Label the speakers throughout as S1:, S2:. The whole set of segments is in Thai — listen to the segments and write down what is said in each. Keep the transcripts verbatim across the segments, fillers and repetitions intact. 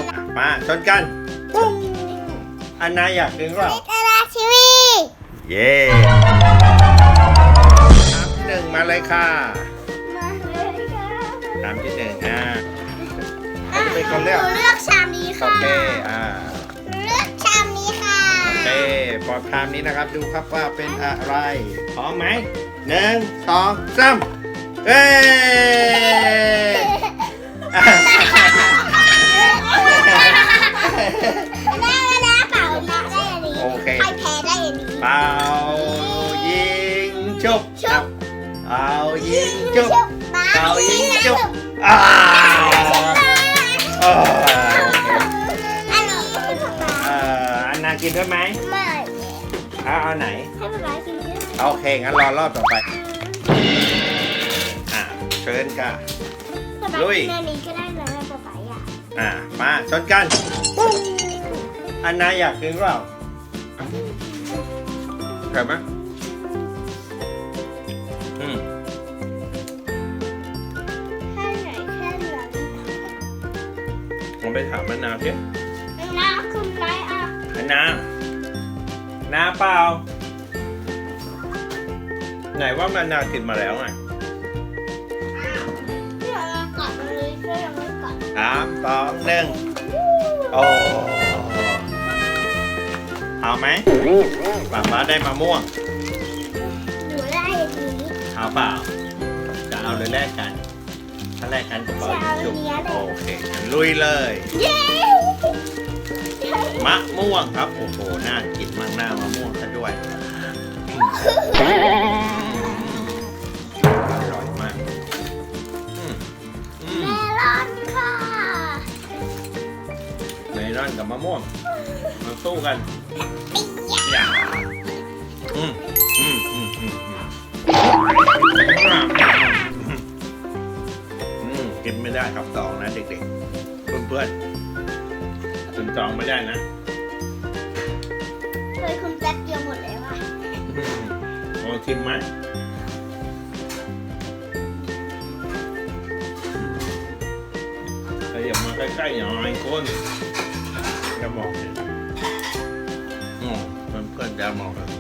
S1: บมาชนกันปุ้งอันนาอยากกินเปล่า
S2: ลิตราชีวี
S1: เย่น้ำที่หนึ่งมาเลยค่ะ
S2: มาเลยค่ะ
S1: น้ำที่หนึ่งอ่ะใคร
S2: อ่ะ
S1: จะเป็นคน
S2: ห
S1: เลือก
S2: นูเลือกชามนี้
S1: โอ
S2: ค่ะ
S1: เคอ่า
S2: หนูเลือกชามนี้ค่ะ
S1: โอเคปอดชามนี้นะครับดูครับว่าเป็นอะไรพร้อมไหมหนึ่งสองสามเอ้ยอ่ะ
S2: ได้แล้วนะเป่านะได้อันนี้
S1: โอเค
S2: ใครแพ้ได้อันนี้
S1: เป่ายิงจุบ
S2: ชุบ
S1: เอายิงจุบ
S2: มา
S1: เป่ายิงจุบ
S2: บ
S1: อ่าอ่า
S2: อันนี้ให้ป๊าป๊า
S1: เอ่ออันนากินด้วยไหม
S2: ไม่
S1: เอาเอาไหน
S2: ให้ป๊าป๊ากินด้วย
S1: โอเคงั้นรอรอบต่อไปอ่าเชิญค่ะ
S2: ป๊าป๊า
S1: ลุย
S2: กินอันนี้ก็ได้นะป๊าป๊าอยาก
S1: อ่ามาชนกันปุ้งอันนาอยากกินเปล่าเผ็ดไหมอืม
S2: แค่ไหนแค่เหลือง
S1: ลองไปถามอันนาสิ
S2: น้ำคุณไรอ่ะ
S1: อันนานาเปล่าไหนว่ามันนากินมาแล้วไง
S2: ที่เรากัดเลยก็ยังไม่กัด
S1: สามสองหนึ่งโอ้เอาไหมป้าป้าได้มะม่วง
S2: หนูได้อันนี้
S1: เอาเปล่าจะเอาหรือแลกกัน ถ้าแลกกันก็เปล่ายิงจุบโอเคงั้นลุยเลย
S2: เย้
S1: มะม่วงครับ โอ้โห น่ากินมากหน้ามะม่วงซะด้วยอร่อยมากอืมอืม
S2: เมลอนค่ะ
S1: เมลอนกับมะม่วงมาสู้กันอย่าอืมอืมอืมอืมอืมอืมกินไม่ได้ครับสองนะเด็กๆ เพื่อนๆถึงจองไม่ได้นะ
S2: เคยคุณแป๊บเดียวหมดแล้วอ่ะ
S1: ลองชิมไหมขยับมาใกล้ๆหน่อยคนจะมองเห็นอืมเพื่อนๆจะมองกัน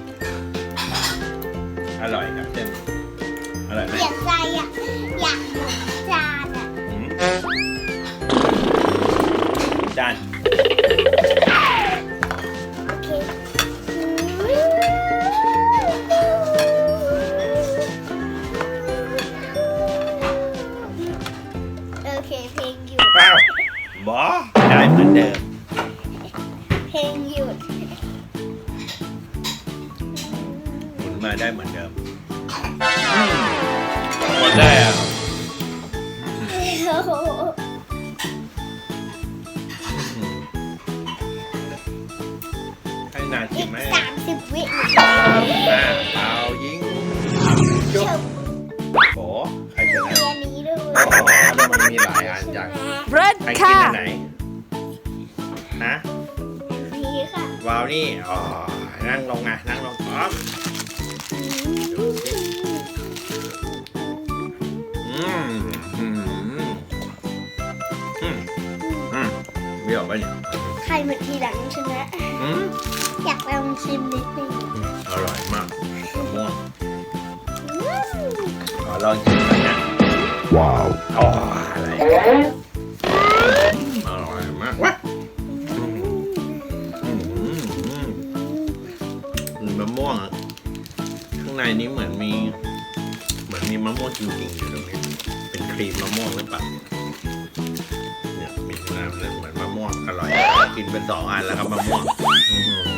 S1: อร่อยครับเส้นอร่อยไหม
S2: เปลี่ยนใจอ่ะ อยากหมดจานอ่ะ
S1: อืมจาน
S2: โอเคโอเคเพลงหยุด
S1: เปล่าบอได้เหมือนเดิม
S2: เพลงหยุด
S1: หมุนมาได้เหมือนเดิมหมดได้อ่ะ
S2: โอ้โห
S1: ให้นากิ
S2: อี
S1: น
S2: ก
S1: ไหม
S2: สามสิบวิ
S1: อ่าเปล่ายิงจุ๊บ
S2: จบ
S1: โอ้ใครจะ
S2: เรี
S1: นะ
S2: ยนนี้ด้วย
S1: อ๋อแล้วมันมีหลายอันจัง
S3: Red
S1: ใครกินอัน
S3: ค่ะ
S1: ไหนฮะ
S2: นี่ค่ะ
S1: วาวนี่อ๋อนั่งลงไงนั่งลงพร้อมดูสิอืมอืมอืมอืมเบี้ยวปะเนี่ย
S2: ใครมาทีหลังชนะ
S1: อืม
S2: อยากลองชิมนิดนึง
S1: อร่อยมากมะม่วงขอลองชิมหน่อยนะว้าวอ๋ออะไรอร่อยมากวะอืมอืมอืมอืมมะม่วงอะข้างในนี้เหมือนมี เหมือนมีมะม่วงจริงๆอยู่ตรงนี้ เป็นครีมมะม่วงหรือเปล่าเนี่ยมีน้ำเลยเหมือนมะม่วงอร่อยกินเป็นสองอันแล้วครับมะม่วงอื้อหือ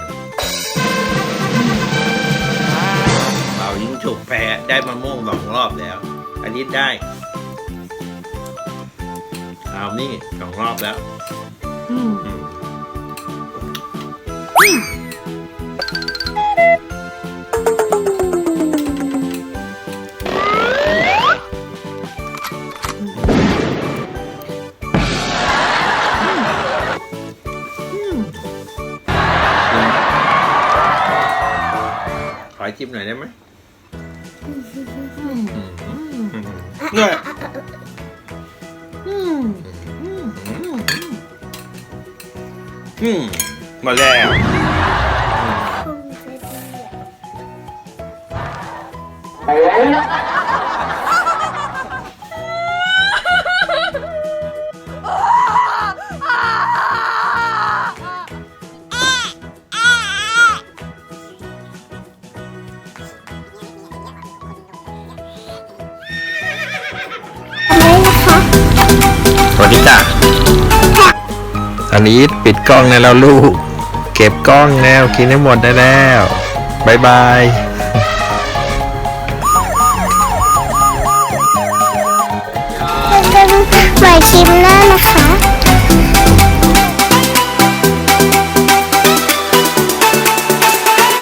S1: เป่ายิงฉุบแพ้ได้มะม่วงสองรอบแล้วอันนี้ได้เอานี่สองรอบแล้วอืมขอจิ้มหน่อยได้ไหมเนี่ยอืมหมดแล้วสวัสดีจ้ะอันนี้ปิดกล้องแล้วลูกเก็บกล้องแล้วกินให้หมดได้แล้วบายบาย
S2: เป็นใหม่คลิปหน้านะคะ